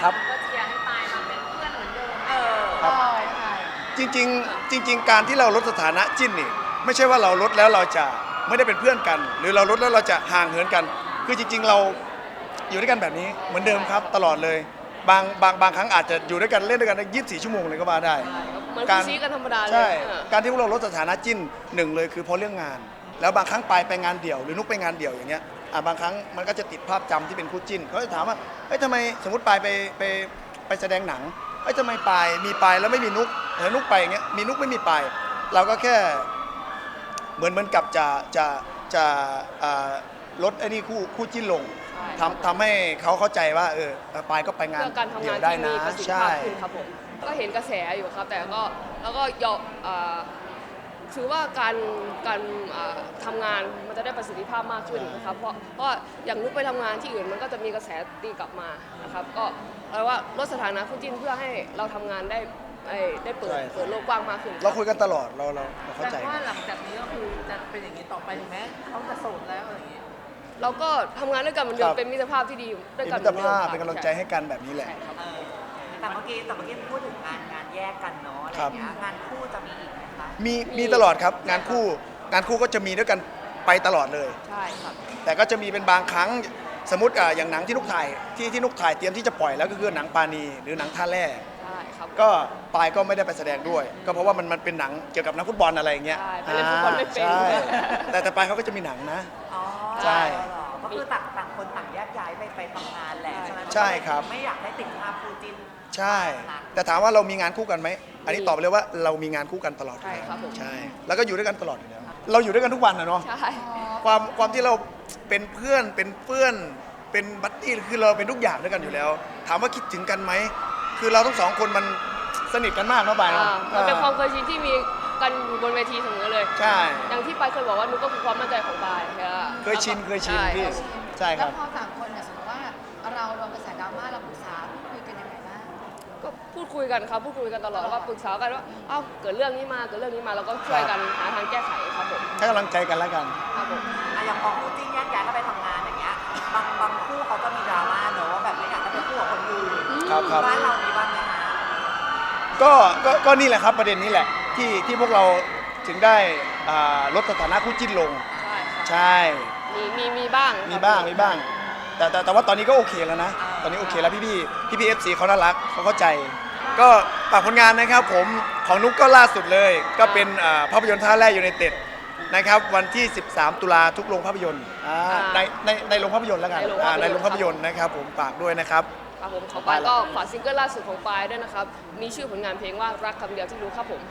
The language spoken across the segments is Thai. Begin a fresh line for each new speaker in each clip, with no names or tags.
ครับ
ก็เชียร์ให้ปายมาเป็นเพื่อนเหมือนเดิม
ครับ
ใช่
จริงๆการที่เราลดสถานะจิ้นนี่ไม่ใช่ว่าเราลดแล้วเราจะไม่ได้เป็นเพื่อนกัน หรือเราลดแล้วเราจะห่างเหินกัน คือจริงๆเราอยู่ด้วยกันแบบนี้เหมือนเดิมครับตลอดเลยบางครั้งอาจจะอยู่ด้วยกันเล่นด้วยกันได้24 ชั่วโมงเลยก็ว่าได้
เหมือนคู่ซีกันธรรมดาเลย
ใช่การที่พวกเราลดสถานะจิ้นหนึ่งเลยคือเพราะเรื่องงาน แล้วบางครั้งไปงานเดี่ยวหรือนุกไปงานเดี่ยวอย่างเงี้ยบางครั้งมันก็จะติดภาพจำที่เป็นคู่จิ้นเขาจะถามว่าเฮ้ยทำไมสมมติไปแสดงหนังเฮ้ยทำไมมีปายแล้วไม่มีนุกแล้วนุกไปอย่างเงี้ยมีนุกไม่มีปายเราก็แค่เหมือนกับจะลดไอ้นี่คู่จิ้นลงทำให้เขาเข้าใจว่าปายก็ไปงานเดี่ยวได้นะ
ใช่ครับผมก็เห็นกระแสอยู่ครับแต่ก็แล้วก็ยอมถือว่าการทำงานมันจะได้ประสิทธิภาพมากขึ้นนะครับเพราะอย่างนุกไปทำงานที่อื่นมันก็จะมีกระแสตีกลับมานะครับก็แปลว่าลดสถานะคู่จิ้นเพื่อให้เราทำงานได้เปิดโลกกว้างมากขึ้น
เราคุยกันตลอดเราเข้าใจ
แต่ว่าหลังจากนี้ก็คือจะเป็นอย่างนี้ต่อไปถึงแม้เขาจะโสดแล้วอะไรอย่างนี้
เราก็ทำงานด้วยกันเหมือนเดิมเป็นมิตรภาพที่ดีด้วยกัน
มิตรภาพเป็นกำลังใจให้กันแบบนี้แหละ
แต่เมื่อกี้พูดถึงงานแยกกันเนาะอะไรเงี้ยงานคู่จะมีอีกไหมคะ
มีตลอดครับงานคู่ก็จะมีด้วยกันไปตลอดเลย
ใช่ครับ
แต่ก็จะมีเป็นบางครั้งสมมติอย่างหนังที่นุกถ่ายที่นุกถ่ายเตรียมที่จะปล่อยแล้วก็คือหนังปาณีหรือหนังท่าแร่ก็ปายก็ไม่ได้ไปแสดงด้วยก็เพราะว่ามันเป็นหนังเกี่ยวกับนักฟุตบอลอะไรอย่างเงี้ย
ใช่เล่นฟุตบอลไม่เป็น
แต่ปายเขาก็จะมีหนังนะ
ใช่ก็คือต่างคนต่างแยกย้ายไปทำงานแหละใช่ไหม
ใช่ครับ
ไม่อยากให้ติดภาพคู่จิ้น
ใช่แต่ถามว่าเรามีงานคู่กันไหมอันนี้ตอบไปเลยว่าเรามีงานคู่กันตลอด
ใช่ครับผม
ใช่แล้วก็อยู่ด้วยกันตลอดอยู่แล้วเราอยู่ด้วยกันทุกวันนะเนาะ
ใช่
ความที่เราเป็นเพื่อนเป็นบัดดี้คือเราเป็นทุกอย่างด้วยกันอยู่แล้ว ถามว่าคิดถึงกันไหมคือเราทั้งสองคนมันสนิทกันมากนะบาย
มันเป็นความเคยชินที่มีกันบนเวทีเสมอเลย
ใช่
อย่างที่ปายเคยบอกว่านุกก็คือความมั่นใจของปาย
เคยชินพี่ใช่ครับ
แล้วพอ3 คนเนี่ยสมมติว่าเราโดนกระแสดราม่าเราปรึกษาคุยกันยังไงบ้าง
ก็พูดคุยกันครับพูดคุยกันตลอดว่าปรึกษากันว่าเกิดเรื่องนี้มาเราก็ช่วยกันหาทางแก้ไขครับผม
ให้กำลังใจกันแล้วกัน
ครับผม
อย่างพอคู่จิ้นแยกย้ายก็ไปทำงานอย่างเงี้ยบางคู่เขาก็มีดราม่าเนอะว่าแบบไม่อยากให้เป็นคู่กับคนอื่นบ้านเรามีบ้างไหมคะ
ก็นี่แหละครับประเด็นนี้แหละที่พวกเราถึงได้ลดสถานะคู่จิ้นลงใช่
มีบ้าง
แต่ว่าตอนนี้ก็โอเคแล้วนะตอนนี้โอเคแล้วพี่FCเขาน่ารักเขาเข้าใจก็ฝากผลงานนะครับผมของนุ๊กก็ล่าสุดเลยก็เป็นภาพยนตร์ท่าแร่ยูไนเต็ดนะครับวันที่13 ตุลาทุกโรงภาพยนตร์ในโรงภาพยนตร์แล้วกันในโรงภาพยนตร์นะครับผมฝากด้วยนะครับ
ครับผมของปายก็ฝากซิงเกิลล่าสุดของปายด้วยนะครับมีชื่อผลงานเพลงว่ารักคำเดียวที่รู้ครับผม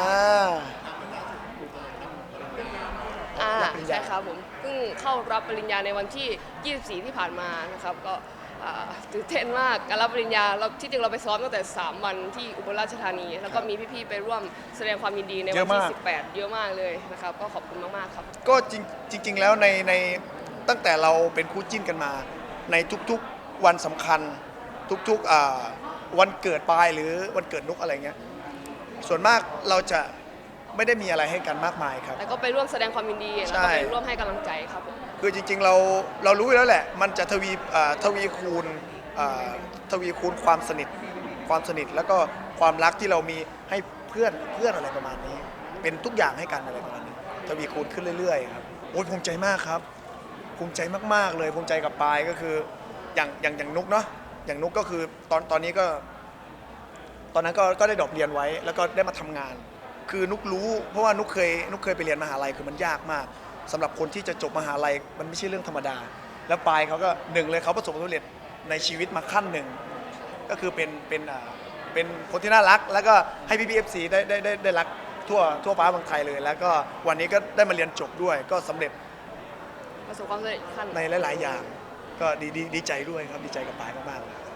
ใช่ครับผมเพิ่งเข้ารับปริญญาในวันที่ 24 ที่ผ่านมานะครับก็ตื่นเต้นมากการรับปริญญาที่จริงเราไปซ้อมตั้งแต่3 วันที่อุบลราชธานีแล้วก็มีพี่ๆไปร่วมแสดงความยินดีในวันที่18เยอะมากเลยนะครับก็ขอบคุณมากๆครับ
ก็จริงแล้วในตั้งแต่เราเป็นคู่จิ้นกันมาในทุกๆวันสำคัญทุกๆวันเกิดปายหรือวันเกิดนุกอะไรเงี้ยส่วนมากเราจะไม่ได้มีอะไรให้กันมากมายครับ
แล้วก็ไปร่วมแสดงความยินดีแล้วก็ไปร่วมให้กำลังใจครับ
คือจริงๆเรารู้แล้วแหละมันจะทวีคูณความสนิทแล้วก็ความรักที่เรามีให้เพื่อนอะไรประมาณนี้เป็นทุกอย่างให้กันอะไรประมาณนี้ทวีคูณขึ้นเรื่อยๆครับโอ้ยภูมิใจมากครับภูมิใจมากๆเลยภูมิใจกับปายก็คืออย่างนุกเนาะอย่างนุกก็คือตอนนี้ก็ตอนนั้นก็ได้ดรอปเรียนไว้แล้วก็ได้มาทำงานคือนุกรู้เพราะว่านุกเคยไปเรียนมหาลัยคือมันยากมากสำหรับคนที่จะจบมหาลัยมันไม่ใช่เรื่องธรรมดาแล้วปายเขาก็หนึ่งเลยเขาประสบความสำเร็จในชีวิตมาขั้นหนึ่งก็คือเป็นคนที่น่ารักแล้วก็ให้พี่ๆ FC ได้รักทั่วฟ้าเมืองไทยเลยแล้วก็วันนี้ก็ได้มาเรียนจบด้วยก็สำเร็จ
ประสบความสำเร็จขั้น
ในหลายๆอย่างก็ดีใจด้วยครับดีใจกับปายมากๆ